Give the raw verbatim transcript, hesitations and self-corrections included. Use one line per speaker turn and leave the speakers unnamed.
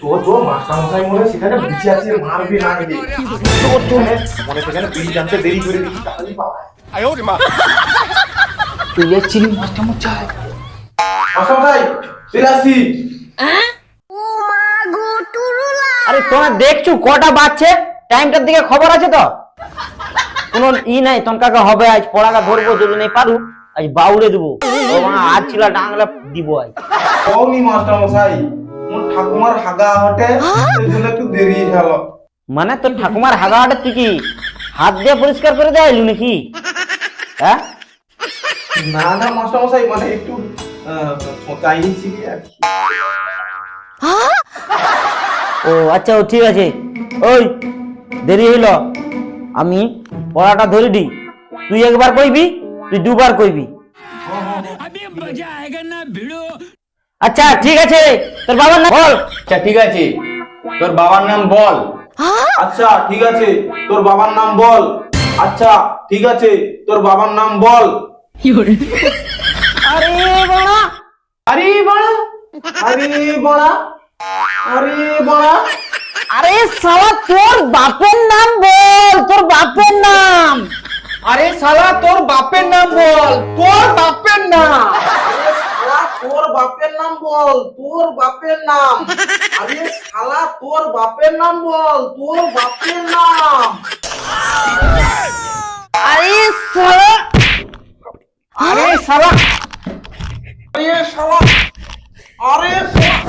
তো তো মাস্টার মশাই মনে সেখানে বুঝে আছে মারবে না গেলে তো তো মনে সেখানে বিড়ি জানতে দেরি করে দিচ্ছি তাড়াতাড়ি পাওয়া
তুই এসেছিলি মাস্টার মশাই?
মাস্টার মশাই চলে আসছি।
আরে তোমরা দেখছো কটা বাজছে? টাইমটার দিকে খবর আছে তো? কোনো ই নাই তনকাকে হবে আজ পড়াকা ধরবো যদি নেই পারু আজ বাউলে দেবো ও মা আজ ছিল ডাংলা দিব আজ।
কওনি মাস্টার মশাই মোর ঠাকুমার হাগা হটে এই জন্য একটু দেরি হলো।
মানে তোর ঠাকুমার হাগাটা তুই কি হাত দিয়ে পরিষ্কার করে দেয়লু নাকি? হ্যাঁ
না না মাস্টার মশাই মানে একটু চাই নিচ্ছি আর কি।
ও আচ্ছা ও ঠিক আছে। ওই দেরি হইল আমি পড়াটা ধরে দিই, তুই একবার কইবি তুই দুবার কইবি। আচ্ছা ঠিক আছে তোর বাবার নাম বল।
আচ্ছা ঠিক আছে তোর বাবার নাম বল।
আচ্ছা ঠিক আছে তোর বাবার নাম বল। আচ্ছা ঠিক আছে তোর বাবার নাম বল।
আরে বাবা
আরে বড়া আরে বড়া আরে বড়া
আরে শালা তোর বাপের নাম বল, তোর বাপের নাম।
আরে শালা তোর বাপের নাম বল, তোর বাপের নাম।
শালা তোর বাপের নাম বল তোর বাপের নাম। আরে শালা তোর বাপের নাম বল তোর বাপের নাম।
আরে শালা আরে শালা
আরে শালা আরে শালা